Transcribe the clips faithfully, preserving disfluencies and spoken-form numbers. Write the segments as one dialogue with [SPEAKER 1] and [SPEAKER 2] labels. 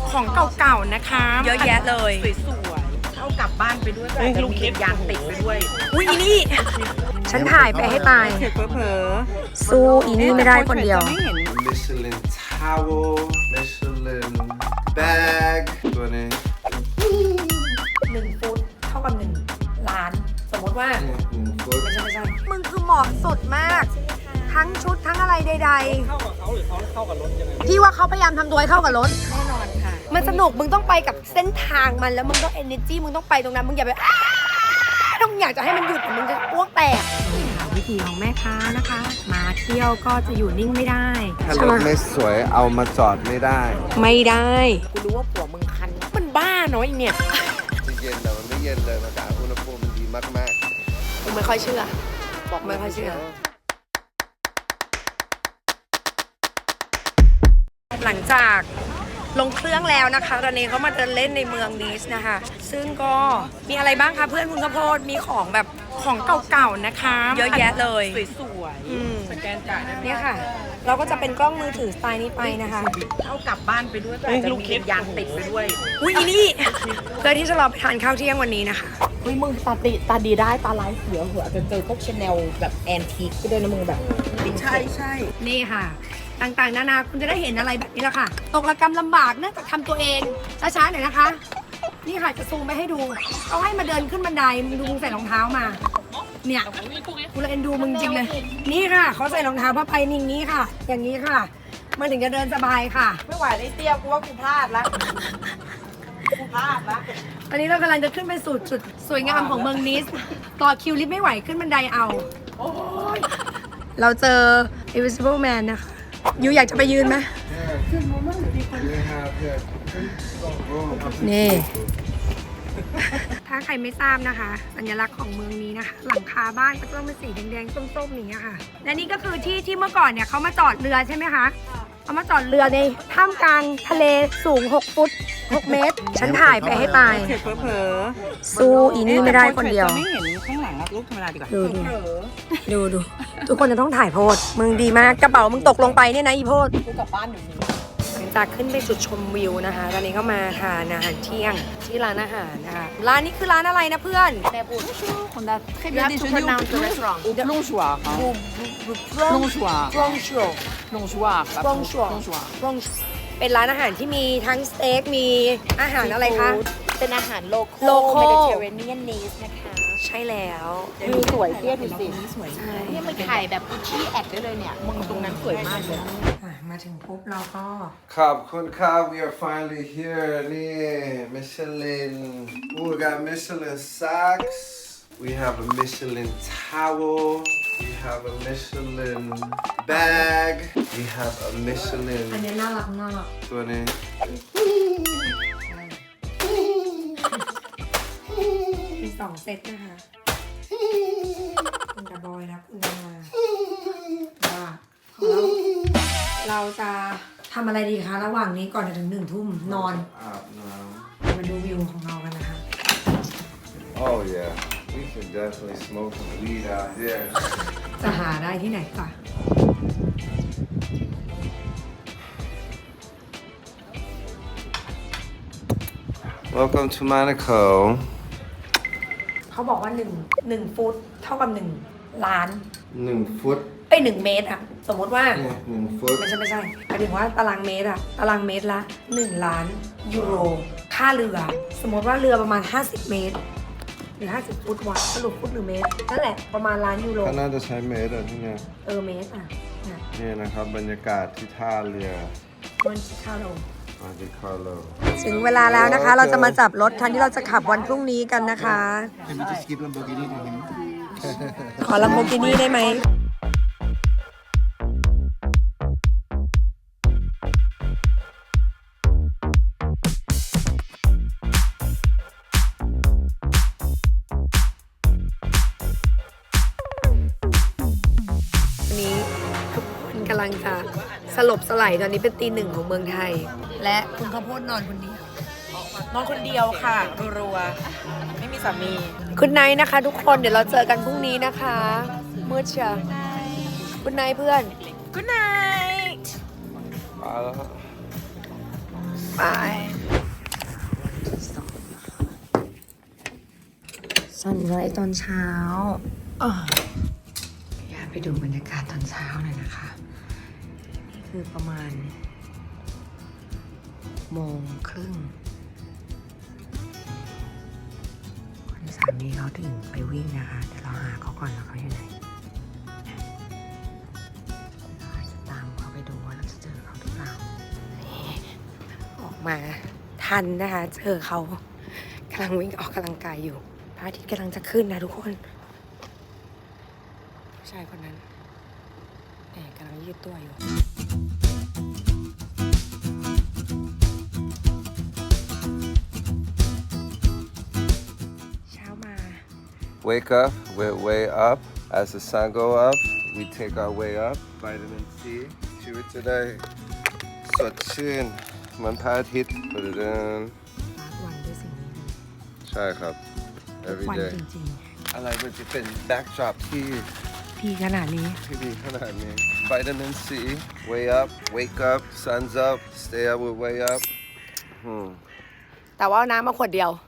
[SPEAKER 1] ของเก่าๆนะคะเยอะแยะเลย
[SPEAKER 2] สวยๆเอากลับบ้านไปด้วยก็จะมียางติดไปด้วย
[SPEAKER 1] อุ้ยอีนี่ฉันถ่ายไปให้ตาย
[SPEAKER 2] เผลอ
[SPEAKER 1] สู้อีนี่ไม่ได้คนเดียว
[SPEAKER 3] Michelin towel Michelin bag ตัวนี้
[SPEAKER 1] หนึ่งฟุตเท่ากับหนึ่งล้านสมมติว่า
[SPEAKER 3] หนึ่งฟุต
[SPEAKER 1] ไม่ใช่ไม่ใช่มึงคือเหมาะสดมากทั้งชุดทั้งอะไรใดๆเข้ากับเขาหรือเขาเข้ากับรถยังไงพี่ว่าเขาพยายามทำตัวให้เข้ากับรถแน่นอนค่ะมันสนุกมึงต้องไปกับเส้นทางมันแล้วมึงต้อง energy มึงต้องไปตรงนั้นมึงอย่าไปต้องอยากจะให้มันหยุดมึงจะอ้วกแตกวิธีของแม่ค้านะคะมาเที่ยวก็จะอยู่นิ่งไม่ได้
[SPEAKER 3] ถ้ารถไม่สวยเอามาจอดไม่ได้
[SPEAKER 1] ไม่ได้
[SPEAKER 2] กูรู้ว่าผัวมึงคันมันบ้าน้อยเนี่ย
[SPEAKER 3] จะเย็นแต่มันไม่เย็นเลยมาจากอุณหภูมิมันดีมาก
[SPEAKER 1] ๆมึงไม่ค่อยเชื่อบอกไม่ค่อยเชื่อหลังจากลงเครื่องแล้วนะคะตอนนี้เขามาเดินเล่นในเมืองนีสนะคะซึ่งก็มีอะไรบ้างคะเพื่อนคุณข้าวโพดมีของแบบของเก่าๆนะคะเยอะแยะเลย
[SPEAKER 2] สวยๆสแกนจ่าย
[SPEAKER 1] เนี่ยค่ะเราก็จะเป็นกล้องมือถือสไตล์นี้ไปนะคะ
[SPEAKER 2] เอากลับบ้านไปด้วยก็จะมียางติดไปด้วย
[SPEAKER 1] อุ้ยอีนี่เพื่อที่จะรอไปทานข้าวเที่ยงวันนี้นะคะ
[SPEAKER 2] อุ้ยมึงตาดีตาดีได้ตาลายเสียหัวจะเจอพวกชาแนลแบบแอนทีคก็ด้วยนะมึงแบบ
[SPEAKER 1] ใช่ใช่นี่ค่ะต่างๆนานาคุณจะได้เห็นอะไรแบบนี้แหละค่ะตกระกำลำบากเนื่องจากทำตัวเองช้าๆหน่อยนะคะนี่ค่ะจะซูมไปให้ดูเขาให้มาเดินขึ้นบันไดมึงดูมึงใส่รองเท้ามาเนี่ยกูเลยเอ็นดูมึงจริงเลยนี่ค่ะเขาใส่รองเท้าผ้าใบนิ่งนี้ค่ะอย่างนี้ค่ะมันถึงจะเดินสบายค่ะ
[SPEAKER 2] ไม่ไหวได้เตี้ยกูว่ากูพลาดละกูพลาดละ
[SPEAKER 1] ตอนนี้เรากำลังจะขึ้นไปสู่จุดสวยงามของเมืองนิสต่อคิวลิฟต์ไม่ไหวขึ้นบันไดเอาเราเจอ Invisible Man นะคะยูอยากจะไปยืนไหมนี่ถ้าใครไม่ทราบนะคะสัญลักษณ์ของเมืองนี้นะคะหลังคาบ้านก็ต้องเป็นสีแดงๆส้มๆอย่างเงี้ยค่ะและนี่ก็คือที่ที่เมื่อก่อนเนี่ยเขามาจอดเรือใช่ไหมคะเขามาจอดเรือในท่ามกลางทะเลสูงหกฟุตหกเมตรฉันถ่ายไปให้ตาย
[SPEAKER 2] เผลอ
[SPEAKER 1] สู้อีนี่ไม่ได้คนเดียว
[SPEAKER 2] ไม่เห็นข้างหลังรูปธรรมดาดีกว่า
[SPEAKER 1] ดูดูดูทุกคนจะต้องถ่ายโพสมึงดีมากกระเป๋ามึงตกลงไปเนี่ยนะอีโพส
[SPEAKER 2] กูกลับบ้านเดี๋ยวนี้
[SPEAKER 1] หลังจากขึ้นไปจุดชมวิวนะคะตอนนี้ก็มาทานอาหารเที่ยงที่ร้านอาหารนะคะร้านนี้คือร้านอะไรนะเพื่อน
[SPEAKER 2] แม่พูดคนละtrès bien déjeuner au restaurant au plongeoir plongeoir
[SPEAKER 1] plongeoir
[SPEAKER 2] plongeoir
[SPEAKER 1] plongeoir เป็นร้านอาหารที่มีทั้งสเต็กมีอาหารอะไรคะ
[SPEAKER 2] เป็นอาหารโลคอล Mediterranean Nice นะคะ
[SPEAKER 1] ใช่แล้ว
[SPEAKER 2] วิวสวยเที่ยดูสิสวยมากนี่มันถ่ายแบบที่แอดได้เลยเนี่ยมึงตรงนั้นสวยมากเลย
[SPEAKER 1] มาถึงปุ๊บเราก็
[SPEAKER 3] ขอบคุณครับ we are finally here นี่ Michelin we got Michelin socks we have a Michelin towel we have a Michelin bag we have a Michelin
[SPEAKER 1] อันนี้น่ารักมาก
[SPEAKER 3] ตัวนี้
[SPEAKER 1] มีสองเซตนะคะคุณกระบอยนะคุณนาว่าเราจะทำอะไรดีคะระหว่างนี้ก่อนจะถึงหนึ่งทุ่มนอน
[SPEAKER 3] อาบน้
[SPEAKER 1] ำมาดูวิวของเรากันนะคะ
[SPEAKER 3] Oh yeah we can definitely smoke some weed out here
[SPEAKER 1] จะหาได้ที่ไหนก่อน
[SPEAKER 3] Welcome to Monaco
[SPEAKER 1] เขาบอกว่าหนึ่งหนึ่งฟุตเท่ากับหนึ่งล้าน
[SPEAKER 3] หนึ่งฟุต
[SPEAKER 1] เอ้ยหนึ่งเมตรอะสมมติว่า
[SPEAKER 3] หนึ่งฟุต
[SPEAKER 1] ไม่ใช่ไม่ใช่หมายถึงว่าตารางเมตรอะตารางเมตรละหนึ่งล้านยูโรค่าเรือสมมติว่าเรือประมาณห้าสิบเมตรหรือห้าสิบฟุตวะสรุปฟุตหรือเมตรนั่นแหละประมาณล้านยูโร
[SPEAKER 3] ก็น่าจะใช้เมตรอะที่เนี่ย
[SPEAKER 1] เออเมตรอะ
[SPEAKER 3] นี่นะครับบรรยากาศที่ท่าเรือ
[SPEAKER 1] มันท่าโล
[SPEAKER 3] ถึ
[SPEAKER 1] งเวลาแล้วนะคะเราจะมาจับรถทันที่เราจะขับวันพรุ่งนี้กันนะคะขอลัมโบกินี่ได้ไหมวันนี้ทุกคนกำลังจะสลบสลายตอนนี้เป็นตีหนึ่งของเมืองไทยและคุณข้าวโพดนอนคนเดียวน
[SPEAKER 2] อนคนเดียวค่ะรัวๆไม่มีสามี
[SPEAKER 1] คุณไนท์นะคะทุกคนเดี๋ยวเราเจอกันพรุ่งนี้นะคะมืดเชียวคุณไนท์เพื่อน
[SPEAKER 2] Good night
[SPEAKER 3] มาแล้ว
[SPEAKER 1] บายซันไรส์ตอนเช้าอ่ะอยากไปดูบรรยากาศตอนเช้าหน่อยนะคะ นี่คือประมาณโมงครึ่งคุณสามีเขาถึงไปวิ่งนะคะ เดี๋ยวเราหาเขาก่อนว่าเขาอยู่ไหนเราจะตามเขาไปดูว่าเราจะเจอเขาหรือเปล่านี่ออกมาทันนะคะ เจอเขากำลังวิ่งออกกำลังกายอยู่พระอาทิตย์กำลังจะขึ้นนะทุกคนผู้ชายคนนั้นแอบกำลังยืดตัวอยู่เช้ามา
[SPEAKER 3] Wake up, we're way up. As the sun go up, we take our way up. Vitamin C. ชีวิตจะได้สดชื่นเหมือนพระอาทิตย์เดิน
[SPEAKER 1] ฟาดวันด้วยสิ่งนี้เลย
[SPEAKER 3] ใช่ครับ
[SPEAKER 1] ทุก
[SPEAKER 3] every
[SPEAKER 1] วัน
[SPEAKER 3] day
[SPEAKER 1] จริง
[SPEAKER 3] อะไรมันจะเป็น backdrop ที่
[SPEAKER 1] ๆดีขนาดนี้
[SPEAKER 3] ที่ดีขนาดนี้ Vitamin C. Way up, wake up, sun's up, stay up, we're way up. อืม
[SPEAKER 1] แต่ว่าเอาน้ำมาขวดเดียว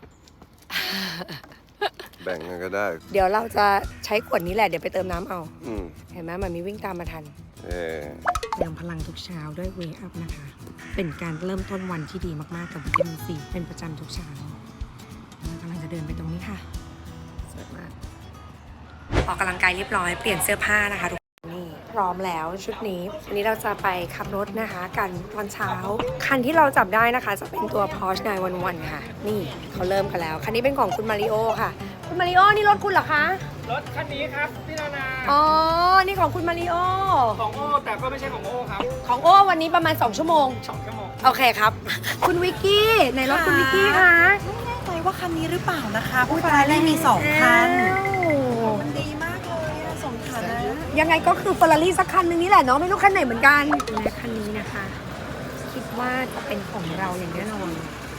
[SPEAKER 3] แบ่งกันก็ได้
[SPEAKER 1] เดี๋ยวเราจะใช้ขวดนี้แหละ เดี๋ยวไปเติมน้ำเอา
[SPEAKER 3] อืม
[SPEAKER 1] เห็นไหมมันมีวิ่งตามมาทัน
[SPEAKER 3] เออ
[SPEAKER 1] เติมพลังทุกเช้าด้วย Wake Up นะคะ เป็นการเริ่มต้นวันที่ดีมากๆกับวิตามินซีเป็นประจำทุกเช้าเรากำลังจะเดินไปตรงนี้ค่ะสวยมากออกกำลังกายเรียบร้อยเปลี่ยนเสื้อผ้านะคะทุกคนนี่พร้อมแล้วชุดนี้วันนี้เราจะไปขับรถนะคะกันตอนเช้า คันที่เราจับได้นะคะ จะเป็นตัว Porsche ไนน์วันวันค่ะ นี่เขาเริ่มกันแล้ว คันนี้เป็นของคุณมาริโอค่ะ คุณมาริโอนี่รถคุณเหรอคะ
[SPEAKER 4] รถคันนี้ครับพี่นานา
[SPEAKER 1] อ๋อ นี่ของคุณมาริโอ
[SPEAKER 4] ของโอ้แต่ก็ไม่ใช่ของโอ้ครับ
[SPEAKER 1] ของโอ้วันนี้ประมาณสองชั่วโมง
[SPEAKER 4] สองชั่วโมง
[SPEAKER 1] โอเคครับ คุณวิกกี้ในรถคุณวิกกี้คะ
[SPEAKER 2] ไม่แน่ใจว่าคันนี้หรือเปล่านะคะผู้ชายได้มีสองคัน
[SPEAKER 1] อ้าว
[SPEAKER 2] มันดีมากเลยอะสองคันนะ
[SPEAKER 1] ยังไงก็คือเฟอร์รารี่สักคันหนึงนี่แหละเนาะไม่รู้คันไหนเหมือนกันและคันนี้นะคะ คิดว่าจะเป็นของเราอย่างแน่นอน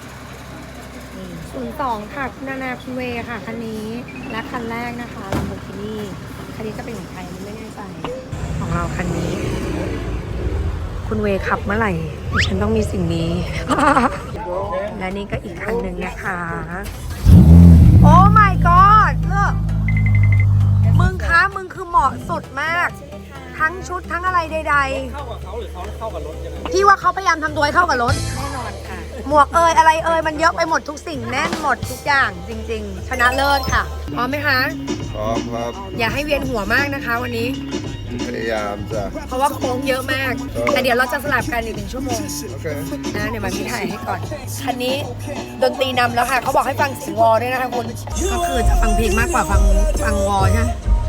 [SPEAKER 1] ศูนย์สองค่ะคุณนานาคุณเวค่ะคันนี้และคันแรกนะคะลัมโบกินี่คันนี้จะเป็นของใครไม่แน่ใจของเราคันนี้ คุณเวขับเมื่อไหร่ดิฉันต้องมีสิ่งนี้ และนี่ก็อีกคันหนึ่งนะคะ โอ้ my god เลิกมึงคะมึงคือเหมาะสุดมาก ทั้งชุดทั้งอะไรใด
[SPEAKER 4] เข้ากับเขาหรือเขาเข้ากับรถยังไง
[SPEAKER 1] ๆ พี่ว่าเขาพยายามทำตัวให้เข้ากับรถ
[SPEAKER 2] แน่นอนค่ะ
[SPEAKER 1] หมวกเอยอะไรเอยมันเยอะไปหมดทุกสิ่งแน่นหมดทุกอย่างจริง ๆ ชนะเลิศค่ะพร้อมไหมคะ
[SPEAKER 3] พร้อมครับ
[SPEAKER 1] อย่าให้เวียนหัวมากนะคะวันนี้
[SPEAKER 3] พยายามจะ
[SPEAKER 1] เพราะว่าโค้งเยอะมาก แต่เดี๋ยวเราจะสลับกันอีกหนึ่งชั่วโมง
[SPEAKER 3] โอเค
[SPEAKER 1] นะเดี๋ยวมาพี่ถ่ายให้ก่อน คันนี้ดนตรีนำแล้วค่ะ เขาบอกให้ฟังเสียงวอด้วยนะคะคุณ ก็คือจะฟังเพลงมากกว่าฟังฟังวอใช่ไหม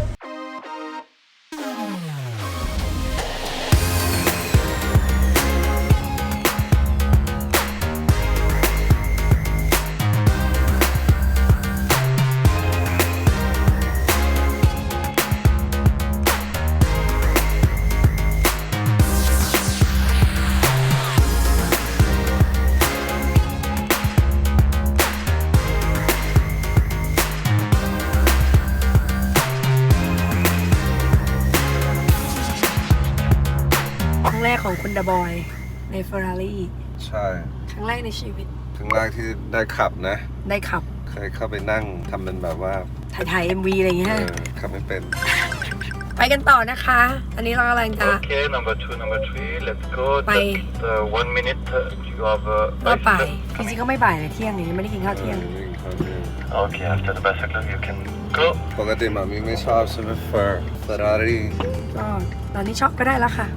[SPEAKER 1] ครั้งแรกของคุณดาบอยใน Ferrari
[SPEAKER 3] ใช่
[SPEAKER 1] ครั้งแรกในชีวิต
[SPEAKER 3] ครั้งแรกที่ได้ขับนะ
[SPEAKER 1] ได้ขับ
[SPEAKER 3] เคยเข้าไปนั่งทำเป็นแบบว่า
[SPEAKER 1] ถ่ายถ่าย เอ็ม วี อะไรอย่าง
[SPEAKER 3] เอ
[SPEAKER 1] เงี้ย
[SPEAKER 3] อขับไม่เป็น
[SPEAKER 1] ไปกันต่อนะคะ อันนี้เรากำลังจะ
[SPEAKER 5] Okay, number two, number three, let's go.
[SPEAKER 1] Bye.
[SPEAKER 5] Just uh, one minute, uh, you have a
[SPEAKER 1] ก็ไป
[SPEAKER 5] bicycle.
[SPEAKER 1] จริงๆก็ไม่บ่ายเลยเที่ยงนี้ไม่ได้กินข้าวเที่ยง
[SPEAKER 3] วิ่งเข้าเที่ยง
[SPEAKER 5] Okay, after the bicycle, you can go.
[SPEAKER 3] ปกติหมามีไม่ชอบใช่ไหมเฟอร์เฟอร์รารี่
[SPEAKER 1] ก็ตอนนี้ช็อปก็ได้แล้วค่ะ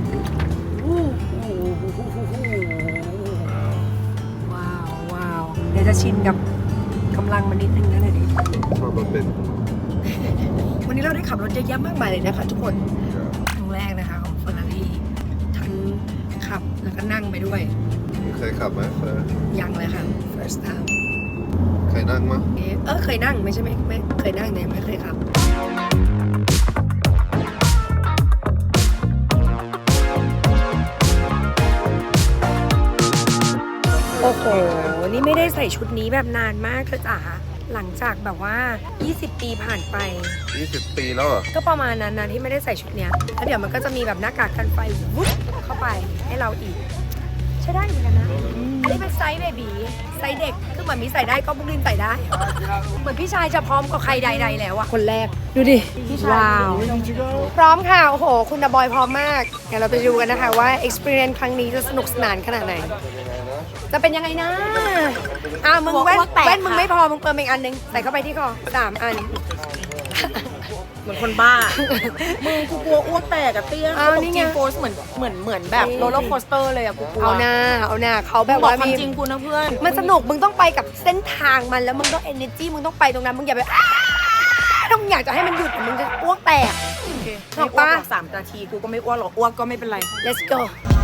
[SPEAKER 1] ว้าวว้าวเดี๋ยวจะชินกับกำลังมันนิดนึงนะเนี่ยดิ
[SPEAKER 3] ชอบมาเป็น
[SPEAKER 1] วันนี้เราได้ขับรถเยอะแยะมากมายเลยนะคะทุกคนครั้งแรกนะคะของเฟอร์รารี่ทั้งขับแล้วก็นั่งไปด้วย
[SPEAKER 3] เคยขับไหมเฟอร์
[SPEAKER 1] ยังเลยค่ะ first time
[SPEAKER 3] เคยนั่งมั้ย
[SPEAKER 1] เอ๊ะเออเคยนั่งไม่ใช่ไหมไม่เคยนั่งเนี่ยไม่เคยขับ โอ้โห นี่ไม่ได้ใส่ชุดนี้แบบนานมากเธอจ๋า หลังจากแบบว่า ยี่สิบ ปีผ่านไป
[SPEAKER 3] ยี่สิบปีแล้วเหรอ
[SPEAKER 1] ก็ประมาณนั้นนะที่ไม่ได้ใส่ชุดเนี้ยแล้วเดี๋ยวมันก็จะมีแบบหน้ากากกันไฟวุ๊บเข้าไปให้เราอีกใช้ได้เหมือนกันนะอันนี้เป็นไซส์เบบีไซส์เด็กคือเหมือนมีใส่ได้ก็บุกลินใส่ได้ เหมือนพี่ชายจะพร้อมกับใครใดๆแล้วอะคนแรกดูดิว้าวพร้อมค่ะโอ้โหคุณดาบอยพร้อมมากเดี๋ยวเราไปดูกันนะคะว่า experience ครั้งนี้จะสนุกสนานขนาดไหนจะเป็นยังไงนะอ่ามึงแว่นแว่นมึงไม่พอมึงเติมอีกอันนึงใส่เข้าไปที่คอสามอัน
[SPEAKER 2] เหมือนคนบ้า มึงกูกลัวอ้วกแตกอะเตี้ย
[SPEAKER 1] เอานี่ไง
[SPEAKER 2] จีโฟสเหมือนเหมือนเหมือนแบบโรลเลอร์โคสเตอร์เลยอะกูกลัว
[SPEAKER 1] เอาหน้าเอาหน้าเขาแบบ
[SPEAKER 2] บอก
[SPEAKER 1] ว่า
[SPEAKER 2] ความ
[SPEAKER 1] มี
[SPEAKER 2] จริงกูนะเพื่อน
[SPEAKER 1] มันสนุกมึงต้องไปกับเส้นทางมันแล้วมึงต้อง energy มึงต้องไปตรงนั้นมึงอย่าไปอ้าถ้ามึงอยากจะให้มันหยุดมึงจะอ้วกแตก
[SPEAKER 2] โอเค
[SPEAKER 1] บ
[SPEAKER 2] ไม่
[SPEAKER 1] อก
[SPEAKER 2] อ้ว
[SPEAKER 1] ปะ
[SPEAKER 2] กหรอกสามนาทีกูก็ไม่อ้วกหรอกอ้วกก็ไม่เป็นไร
[SPEAKER 1] let's go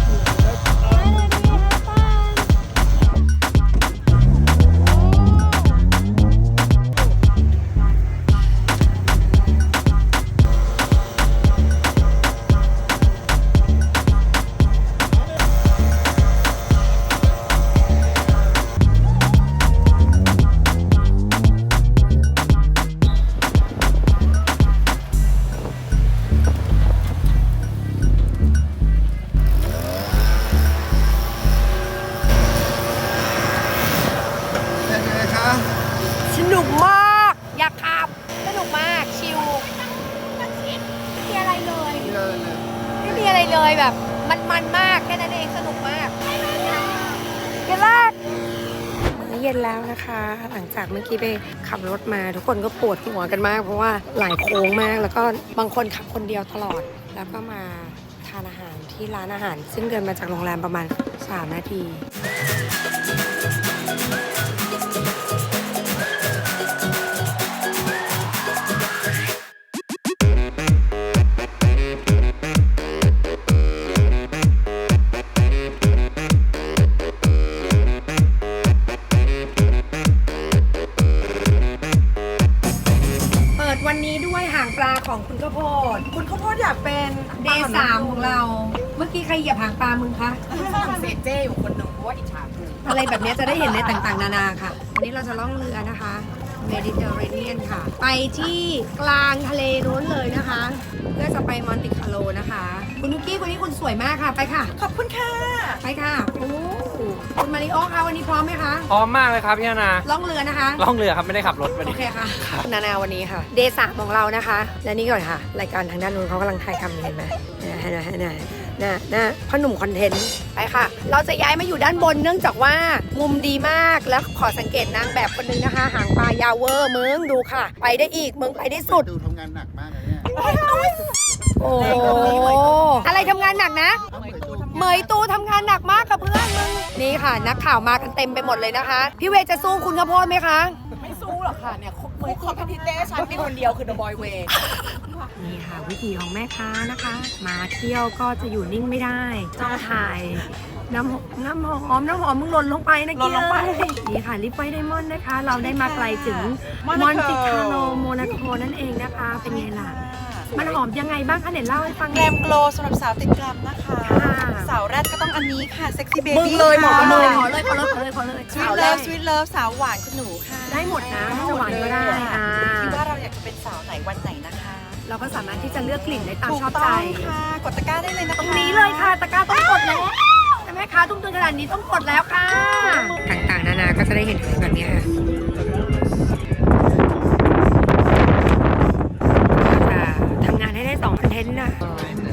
[SPEAKER 3] เป็นไงคะ
[SPEAKER 1] สนุกมาก อยากขับ สนุกมาก ชิลไม่มีอะไรเลย
[SPEAKER 3] นี่เลยเนี่ย
[SPEAKER 1] ไม่มีอะไรเลยแบบ มันมันมาก แค่นั้นเอง สนุกมากเย็นแรกมื้อเย็นแล้วนะคะ หลังจากเมื่อกี้ไปขับรถมาทุกคนก็ปวดหัวกันมาก เพราะว่าหลายโค้งมาก แล้วก็บางคนขับคนเดียวตลอด แล้วก็มาทานอาหารที่ร้านอาหาร ซึ่งเดินมาจากโรงแรมประมาณสามนาที เปิดวันนี้ด้วยหางปลาของคุณข้าวโพด
[SPEAKER 2] คุณข้าวโพดอยากเป็น
[SPEAKER 1] เดย์สามของเรา เมื่อกี้ใครเหยียบหางปลามึงคะ
[SPEAKER 2] ฝรั่งเศสเจ้อยู่คนหนึ่งเพราะว่าอิจฉากู
[SPEAKER 1] อะไรแบบนี้จะได้เห็นในต่างๆ นานาค่ะ วันนี้เราจะล่องเรือนะคะเมดิเตอร์เรเนียนค่ะ ไปที่กลางทะเลนู้นเลยนะคะ เพื่อจะไปมอนติคาร์โลนะคะ คุณนุกกี้คนนี้คุณสวยมากค่ะ ไปค่ะ
[SPEAKER 2] ขอบคุณค่ะ
[SPEAKER 1] ไปค่ะโอ้คุณมาริโอคะวันนี้พร้อมไหมคะ
[SPEAKER 4] พร้อมมากเลยครับพี่นานา
[SPEAKER 1] ล่องเรือนะคะ
[SPEAKER 4] ล่องเรือครับไม่ได้ขับรถวัน
[SPEAKER 1] โอ
[SPEAKER 4] นี้
[SPEAKER 1] เคค่ะคุณนานาวันนี้ค่ะเดย์สามของเรานะคะ และนี่ก่อนค่ะ รายการทางด้านนู้นเขากำลังถ่ายทำอยู่เห็นไหมนะฮะนะฮะนะนะนะพ่อหนุ่มคอนเทนต์ไปค่ะ เราจะย้ายมาอยู่ด้านบนเนื่องจากว่ามุมดีมากแล้วขอสังเกตนางแบบคนนึงนะคะ หางปลายาวเวอร์มึงดูค่ะ ไปได้อีกมึงไปได้สุด
[SPEAKER 6] ดูทำงานหนักมากเลยเนี่ย
[SPEAKER 1] โอ้อะไรทำงานหนักนะ เหมยตูทำงานหนักมากกับเพื่อนมึงนี่ค่ะ นักข่าวมากันเต็มไปหมดเลยนะคะ พี่เวย์จะสู้คุณข้าวโพดไหมคะ
[SPEAKER 2] ไม่สู้หรอกค่ะเนี่ยเหมือนเขาเป็นพี่เต้ฉันมีคนเดียวคือ The Boy Way
[SPEAKER 1] นี่ค่ะวิธีของแม่ค้านะคะ มาเที่ยวก็จะอยู่นิ่งไม่ได้ต้องถ่ายน้ำหอมน้ำหอมน้ำหอมมึงหล่นลงไปนะ
[SPEAKER 2] หล่นลงไป
[SPEAKER 1] เอ้ยนี่ค่ะลิปไวท์ไดมอนด์นะคะ เราได้มาไกลถึงม
[SPEAKER 2] Monaco
[SPEAKER 1] อนติคาโลโมนาโกนั่นเองนะคะ เป็นไงล่ะ มันหอมยังไงบ้างคะเดี๋ยวเล่าให้ฟัง
[SPEAKER 7] แกรมโกลสำหรับสาวติดแกรมนะคะ
[SPEAKER 1] ค่ะ
[SPEAKER 7] สาวแรดก็ต้องอันนี้ค่ะ เซ็กซี่เบ
[SPEAKER 1] มึง
[SPEAKER 7] บี้
[SPEAKER 1] เลยหมอ
[SPEAKER 7] ค่ะ
[SPEAKER 1] เลยขอเลยขอเลยขอเลยขอเลย
[SPEAKER 7] สวีทเลิฟสวีทเลิฟสาวหวานคุณหนูค่ะ
[SPEAKER 1] ได้หมดนะถ้าจะหวานก็ได้อ่า
[SPEAKER 7] คิดว่าเราอยากจะเป็นสาวไหนวันไหนนะคะ
[SPEAKER 1] เราก็สามารถที่จะเลือกกลิ่นได้ตาม
[SPEAKER 7] ถูก
[SPEAKER 1] ชอบ
[SPEAKER 7] ต้
[SPEAKER 1] ใจ
[SPEAKER 7] องค่ะ กดตะกร้าได้เลยนะคะ
[SPEAKER 1] ตรงนี้เลยค่ะตะกร้าต้องกดแล้วแม่ค้าทุ่มทุนขนาดนี้ต้องกดแล้วค่ะ ต่างๆนานาก็จะได้เห็นแบบนี้ค่ะจะทำงานให้ได้สองคอนเทนต์นะ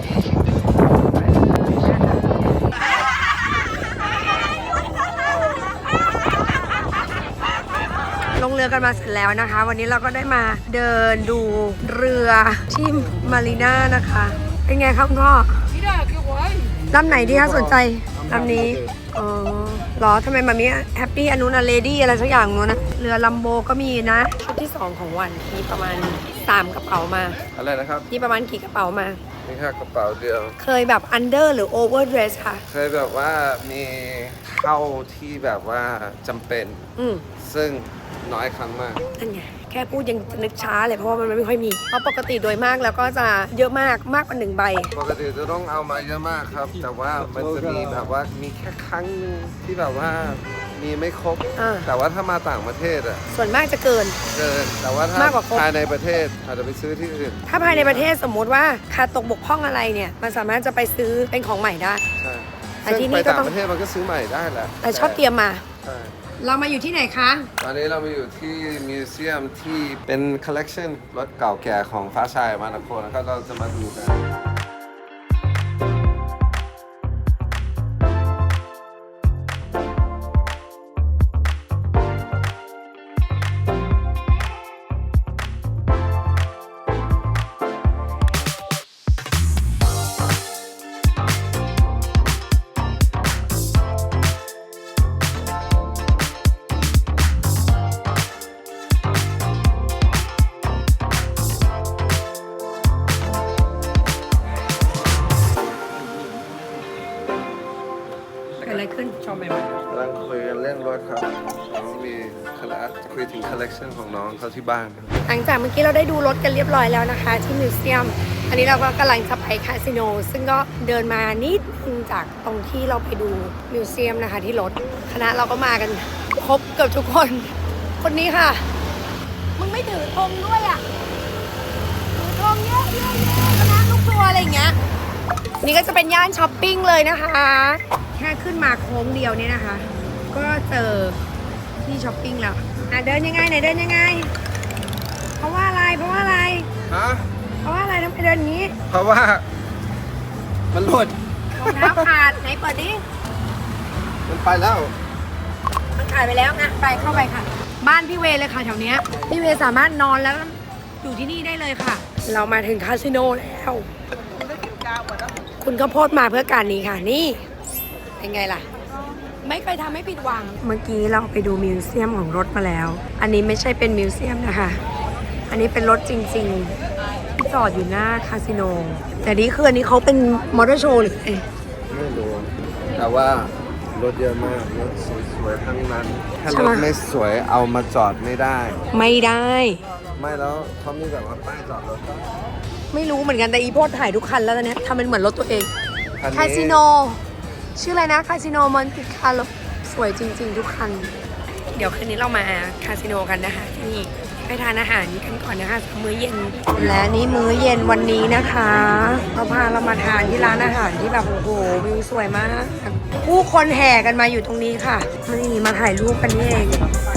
[SPEAKER 1] ลงเรือกันมาเสร็จแล้วนะคะ วันนี้เราก็ได้มาเดินดูเรือที่มารีน่านะคะ เป็นไงครับคุณพ่อลำไหนดีคะสนใจลำนี้ อ๋อเหรอทำไมมามีแฮปปี้อนุนาเลดี้อะไรสักอย่างนู้นนะ เรือลัมโบก็มีนะ ชุดที่สองของวันมีประมาณสามกระเป๋ามา
[SPEAKER 3] อะไรนะครับ
[SPEAKER 1] นี่ประมาณกี่กระเป๋ามา
[SPEAKER 3] นี่แค่กระเป๋าเดียว
[SPEAKER 1] เคยแบบอันเดอร์หรือโอเวอร์เดรสค่ะ
[SPEAKER 3] เคยแบบว่ามีเข้าที่แบบว่าจำเป็น
[SPEAKER 1] อืม
[SPEAKER 3] ซึ่งน้อยครั้งมาก
[SPEAKER 1] นั่นไง แค่พูดยังนึกช้าเลยเพราะว่ามันไม่ค่อยมี เพราะปกติโดยมากแล้วก็จะเยอะมากมากกว่าหนึ่งใบ
[SPEAKER 3] ปกติจะต้องเอามาเยอะมากครับ แต่ว่ามันจะมีแบบว่ามีแค่ครั้งหนึงที่แบบว่ามีไม่ครบ
[SPEAKER 1] อ่า
[SPEAKER 3] แต่ว่าถ้ามาต่างประเทศอะ
[SPEAKER 1] ส่วนมากจะเกิน
[SPEAKER 3] เกิน แต่ว่าถ้าม
[SPEAKER 1] ากกว่าครบ
[SPEAKER 3] ภายในประเทศอาจจะไปซื้อที่อื่น
[SPEAKER 1] ถ้าภายในประเทศสมมุติว่าขาดตกบกพร่องอะไรเนี่ย มันสามารถจะไปซื้อเป็นของใหม่ได้
[SPEAKER 3] ใช่
[SPEAKER 1] แต่
[SPEAKER 3] ซึ่ง
[SPEAKER 1] ที่
[SPEAKER 3] ไป
[SPEAKER 1] นี่ก็
[SPEAKER 3] ต่าง
[SPEAKER 1] ต้อง
[SPEAKER 3] ประเทศมันก็ซื้อใหม่ได้แหละ
[SPEAKER 1] แต่ชอบเตรียมมา
[SPEAKER 3] ใช่
[SPEAKER 1] เรามาอยู่ที่ไหนคะ
[SPEAKER 3] ตอนนี้เรามาอยู่ที่มิวเซียมที่เป็นคอลเลกชันรถเก่าแก่ของฟ้าชายมานาโคนะครับเราจะมาดูกัน
[SPEAKER 1] เกิดอะไรขึ้น
[SPEAKER 4] ชอบใหม่
[SPEAKER 3] กำลังคุยกันเรื่องรถครับน้องมีคอลเลกคุยถึงคอลเลกชันของน้องเขาที่บ้านครับ
[SPEAKER 1] หลังจากเมื่อกี้เราได้ดูรถกันเรียบร้อยแล้วนะคะ ที่มิวเซียม อันนี้เราก็กำลังจะไปคาสิโน ซึ่งก็เดินมานิดนึงจากตรงที่เราไปดูมิวเซียมนะคะที่รถ คณะเราก็มากันครบเกือบทุกคน คนนี้ค่ะ มึงไม่ถือธงด้วยอ่ะ ถือธงเยอะเยอะเยอะคณะลูกทัวร์อะไรอย่างเงี้ย นี่ก็จะเป็นย่านช้อปปิ้งเลยนะคะ แค่ขึ้นมาโค้งเดียวเนี่ยนะคะ ก็เจอที่ช้อปปิ้งแล้วอ่ะเดินยังไงไหนเดินยังไง เพราะว่าอะไร เพราะว่าอะไร
[SPEAKER 3] ฮะ
[SPEAKER 1] เพราะว่าอะไรทำไมเดินอย่างนี้
[SPEAKER 3] เพราะว่ามันหลุด
[SPEAKER 1] รองเท้าขาดไหนเปิดดิ
[SPEAKER 3] มันไปแล้ว
[SPEAKER 1] มันขาดไปแล้วนะไปเข้าไปค่ะ บ้านพี่เวเลยค่ะแถวเนี้ยพี่เวสามารถนอนแล้วอยู่ที่นี่ได้เลยค่ะ เรามาถึงคาสิโนแล้ว คุณข้าวโพดมาเพื่อการนี้ค่ะนี่เป็นไงล่ะ ไม่เคยทำให้ผิดหวัง เมื่อกี้เราไปดูมิวเซียมของรถมาแล้ว อันนี้ไม่ใช่เป็นมิวเซียมนะคะ อันนี้เป็นรถจริงๆที่จอดอยู่หน้าคาสิโน แต่นี่คืออันนี้เขาเป็นมอเตอร์โชว์หรือไง
[SPEAKER 3] ไม่รู้ แต่ว่ารถเยอะมาก รถสวยๆทั้งนั้น ถ้ารถไม่สวยเอามาจอดไม่ได้
[SPEAKER 1] ไม่ได้
[SPEAKER 3] ไม่แล้วเขามีแบบว่าป้ายจอดรถก็
[SPEAKER 1] ไม่รู้เหมือนกันแต่อีโพดถ่ายทุกคันแล้วตอนเนี้ยทำเป็นเหมือนรถตัวเอง
[SPEAKER 3] คันนี้
[SPEAKER 1] คาสิโน ชื่ออะไรนะคาสิโนมอนติคาร์โลสวยจริง ๆ ทุกคัน เดี๋ยวคืนนี้เรามาคาสิโนกันนะคะที่นี่ไปทานอาหารกันก่อนนะคะมื้อเย็น และนี่มื้อเย็นวันนี้นะคะเขาพาเรามาทานที่ร้านอาหารที่แบบโอ้โหวิวสวยมากผู้คนแห่กันมาอยู่ตรงนี้ค่ะนี่มาถ่ายรูปกันนี่เอง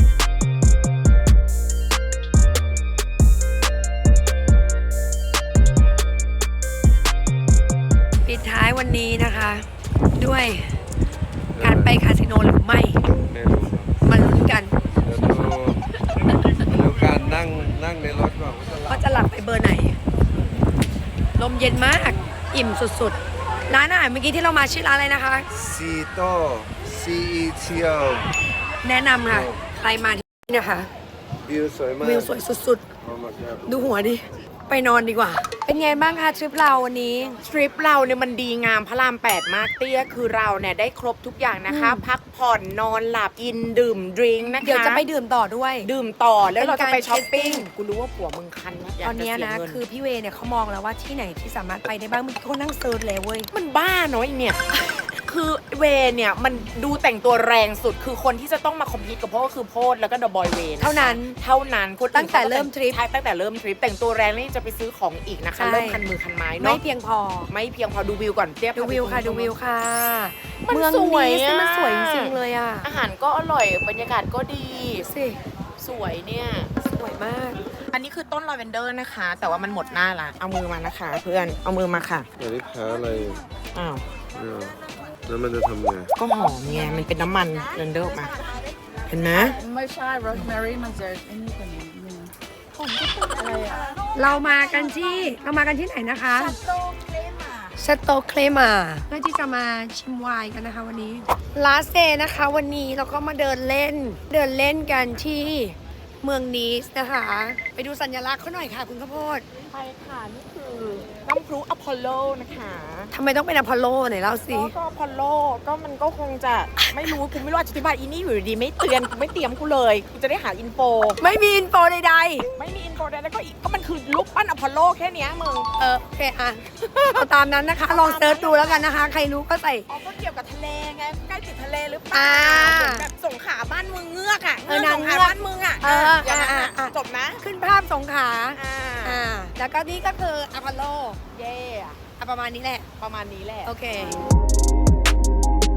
[SPEAKER 1] ปิดท้ายวันนี้นะคะ ด้วยการไปคาสิโนหรือไม่
[SPEAKER 3] ไม่รู้
[SPEAKER 1] มาลุ้นกัน
[SPEAKER 3] เดี๋ยวดูดูการนั่งนั่งในรถก่อนว่าจะหลับ
[SPEAKER 1] ว่าจะหลับไปเบอร์ไหน ลมเย็นมาก อิ่มสุดๆ ร้านอาหารเมื่อกี้ที่เรามาชื่อร้านอะไรนะคะ
[SPEAKER 3] ซีโต้ซีอีเทียว
[SPEAKER 1] แนะนำค่ะ ใครมาที่นี่นะคะ
[SPEAKER 3] วิวสวยมาก
[SPEAKER 1] วิวสวยสุด
[SPEAKER 3] โอ้ my god
[SPEAKER 1] ๆ ดูหัวดิ ไปนอนดีกว่า เป็นไงบ้างคะทริปเราวันนี้
[SPEAKER 2] ทริปเราเนี่ยมันดีงามพระรามแปดมากเตี้ยคือเราเนี่ยได้ครบทุกอย่างนะคะ
[SPEAKER 1] อืม
[SPEAKER 2] พักผ่อนนอนหลับกินดื่มดริงก์นะคะ
[SPEAKER 1] เดี๋ยวจะไปดื่มต่อด้วย
[SPEAKER 2] ดื่มต่อแล้วเราจะไป
[SPEAKER 1] เป็นการ
[SPEAKER 2] ช้อปปิ้ง
[SPEAKER 1] shopping
[SPEAKER 2] กูรู้ว่าผัวมึงคันนะยาก
[SPEAKER 1] ตอน
[SPEAKER 2] จ
[SPEAKER 1] เนี้ย
[SPEAKER 2] เสีย
[SPEAKER 1] นะ
[SPEAKER 2] เงิ
[SPEAKER 1] คือพี่เวเนี่ยเขามองแล้วว่าที่ไหนที่สามารถไปได้บ้างเมื่อกี้เขานั่งเซิร์ชเลยเว้ย
[SPEAKER 2] มันบ้าเนาะไอเนี่ย คือเวเนี่ยมันดูแต่งตัวแรงสุดคือคนที่จะต้องมาคอมพิวต์กับโพดก็คือโพดแล้วก็เดอะบอยเว
[SPEAKER 1] เท่านั้น
[SPEAKER 2] เท่านั้นคนอื่น
[SPEAKER 1] ตั้งแต่เริ่มทริป
[SPEAKER 2] ใช่ตั้งแต่เริ่มทริปแต่งตัวแรงนี่จะไปซื้อของอีกนะคะ
[SPEAKER 1] ใช่
[SPEAKER 2] เริ่มคันมือคันไม้
[SPEAKER 1] ไม่
[SPEAKER 2] เนาะ
[SPEAKER 1] เพียงพอ
[SPEAKER 2] ไม่เพียงพอดูวิวก่อนเทียบ
[SPEAKER 1] ดูวิวค่ะดูวิวค่ะ
[SPEAKER 2] มัน
[SPEAKER 1] เมือง
[SPEAKER 2] สวย
[SPEAKER 1] นี้
[SPEAKER 2] อะ
[SPEAKER 1] มันสวยจริงๆเลยอ่ะ
[SPEAKER 2] อาหารก็อร่อยบรรยากาศก็ดี
[SPEAKER 1] สิ
[SPEAKER 2] สวยเนี่ย
[SPEAKER 1] สวยมาก
[SPEAKER 2] อันนี้คือต้นลาเวนเดอร์นะคะ แต่ว่ามันหมดหน้าละเอามือมานะคะ เพื่อนเอามือมาค่ะ
[SPEAKER 3] อันนี้แพ้อะไรอยู่
[SPEAKER 2] อ้าว
[SPEAKER 3] เนี่ยแล้วมันจะทำไง
[SPEAKER 2] ก็หอมไงมันเป็นน้ำมันเรนเดอร์ออกมา เห็นไหม
[SPEAKER 6] ไม่ใช่ rosemary มันจะไอ้นี่กว่านี้นิดนึงอะไรอ่ะ
[SPEAKER 1] เรามากันที่เรามากันที่ไหนนะคะชาโตเคลมาเพื่อที่จะมาชิมไวน์กันนะคะวันนี้ลาสเดย์นะคะ วันนี้เราก็มาเดินเล่น เดินเล่นกันที่เมืองนีสนะคะ ไปดูสัญลักษณ์เขาหน่อยค่ะคุณข้าวโพด
[SPEAKER 2] ใช่ค่ะ นี่คือน้ำพลุอพอลโลนะคะ
[SPEAKER 1] ทำไมต้องเป็นอพอลโลไหนเล่าสิ
[SPEAKER 2] ก็ก็อพอลโลก็มันก็คงจะไม่รู้กูไม่รู้อธิบายอีนี่อยู่ดีๆไม่เตือนกูไม่เตรียมกูเลยกูจะได้หาอินโฟ
[SPEAKER 1] ไม่มีอินโฟใด
[SPEAKER 2] ไม่มีอินโฟแล้วก็อีกก็มันคือลูกปั้นอพอลโลแค่เนี้ยมึง
[SPEAKER 1] ๆ เออโอเคอ่ะเอาตามนั้นนะคะ ลองเซิร์ชดูแล้วกันนะคะ ใครรู้ก็ใส่
[SPEAKER 2] อ๋อก็เกี่ยวกับทะเลไงใกล้ติดทะเลหรือเปล่า
[SPEAKER 1] อ่า
[SPEAKER 2] เหมือนแบบสงขลาบ้านมึงเงือกอ่ะ
[SPEAKER 1] เออนาง
[SPEAKER 2] สง
[SPEAKER 1] เงื
[SPEAKER 2] ข
[SPEAKER 1] อก
[SPEAKER 2] ลาบ้านมึงอ่ะ
[SPEAKER 1] เออ
[SPEAKER 2] อย่างนั้น
[SPEAKER 1] อ่า
[SPEAKER 2] อะ
[SPEAKER 1] อ่า
[SPEAKER 2] จบนะ
[SPEAKER 1] ขึ้นภาพสงขลา
[SPEAKER 2] อ่า
[SPEAKER 1] อ่าแล้วก็นี่ก็คืออพอลโล
[SPEAKER 2] เย่อะ
[SPEAKER 1] อ่ะประมาณนี้แหละ
[SPEAKER 2] ประมาณนี้แหละ
[SPEAKER 1] โอเค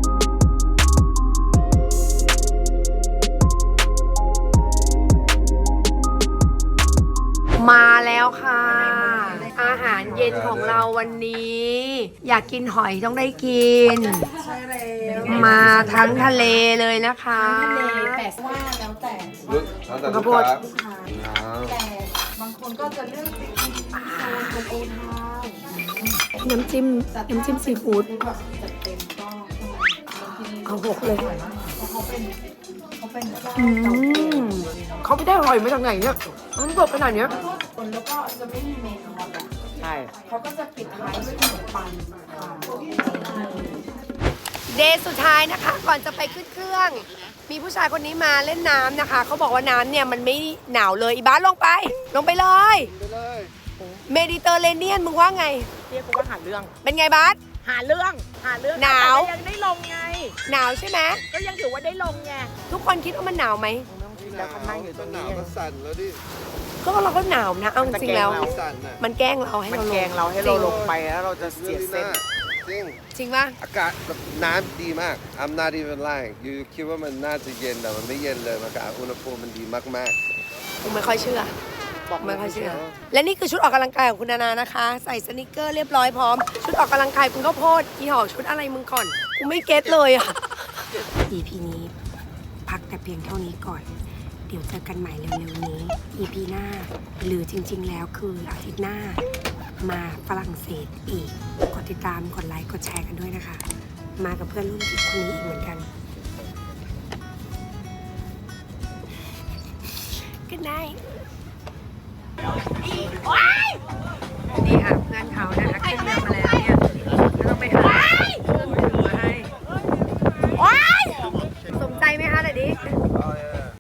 [SPEAKER 1] แล้วค่ะ อาหารเย็นของเราวันนี้ อยากกินหอยต้องได้กิน
[SPEAKER 6] ใช่แล้ว
[SPEAKER 1] มาทั้งทะเลเลยนะคะ
[SPEAKER 6] ทะเลแต่ว่าแล้วแต่
[SPEAKER 3] ลูกแล้วแต่
[SPEAKER 1] ข้า
[SPEAKER 3] ลู
[SPEAKER 1] ว
[SPEAKER 3] ก
[SPEAKER 1] โพด
[SPEAKER 3] ค้า
[SPEAKER 6] ค่ะ
[SPEAKER 3] อ่า
[SPEAKER 6] แต่บางคนก็จะเลือกไปกินโซนโอทาว
[SPEAKER 1] น้ำจิ้มน้ำจิ้มซีฟู้ด
[SPEAKER 6] คือแบบจัดเต็มก็บางที
[SPEAKER 1] เอาหกเลย
[SPEAKER 6] เขาเป็นเขาเป็นเจ้า
[SPEAKER 1] อื
[SPEAKER 6] เก่าแก่
[SPEAKER 1] มเขาไปได้หอยมาจากไหนเนี่ยมันสดขนาดเนี้ย
[SPEAKER 6] คนแล้วก็จะไม่มีเมนูหรอก
[SPEAKER 2] ใช่
[SPEAKER 6] เขาก็จะปิดท้ายด้วยขนมปังค่ะ
[SPEAKER 1] เดย์สุดท้ายนะคะ ก่อนจะไปขึ้นเครื่อง มีผู้ชายคนนี้มาเล่นน้ำนะคะ เขาบอกว่าน้ำเนี่ยมันไม่หนาวเลย อีบ้านลงไป ลงไปเลย
[SPEAKER 3] ไปเลย
[SPEAKER 1] เมดิเตอร์เรเนียนมึงว่าไง
[SPEAKER 2] เรียกว่าหาเรื่อง
[SPEAKER 1] เป็นไงบาส
[SPEAKER 2] หาเรื่อง หาเรื่อง
[SPEAKER 1] หนาว
[SPEAKER 2] แต่ก็ยังได้ลงไง
[SPEAKER 1] หนาวใช่ไหม
[SPEAKER 2] ก็ยังถือว่าได้ลงไง
[SPEAKER 1] ทุกคนคิดว่ามันหนาวไหม
[SPEAKER 2] แล้วเขานั่งอยู่ตรง
[SPEAKER 3] ห
[SPEAKER 2] นี้
[SPEAKER 3] นาวก็สั่นแล้วดิ
[SPEAKER 1] ก็เราก็หนาวนะ เอาจริงๆแล้ว
[SPEAKER 2] มันจะแกล้งเรา
[SPEAKER 3] สั่นน่ะ
[SPEAKER 1] มันแกล้งเราให้
[SPEAKER 2] มัน
[SPEAKER 1] เราลง
[SPEAKER 2] แกงเราให้เราลงไปแล้วเราจะเสียเส้น
[SPEAKER 3] จริง
[SPEAKER 1] จริงป่ะ
[SPEAKER 3] อากาศแบบน้ำดีมาก I'm not even lying ยูคิดว่ามันน่าจะเย็นแต่มันไม่เย็นเลยมันอากาศอุณหภูมิมันดีมาก
[SPEAKER 1] ผมไม่ค่อยเชื่อ
[SPEAKER 2] บอก
[SPEAKER 1] ไม่ค่อยเชื่อ และนี่คือชุดออกกำลังกายของคุณนานานะคะ ใส่สนิเกอร์เรียบร้อยพร้อม ชุดออกกำลังกายคุณข้าวโพดอีหอกชุดอะไรมึงก่อน กูไม่เก็ตเลยอ่ะ อี พี นี้ พักแต่เพียงเท่านี้ก่อน เดี๋ยวเจอกันใหม่เร็วๆนี้ อี พี หน้า หรือจริงๆแล้วคืออาทิตย์หน้า มาฝรั่งเศสอีก กดติดตาม กดไลค์ กดแชร์กันด้วยนะคะ มากับเพื่อนรุ่นพี่คนนี้อีกเหมือนกัน Good night นี่ค่ะเพื่อนเขานะคะขึ้นเรือ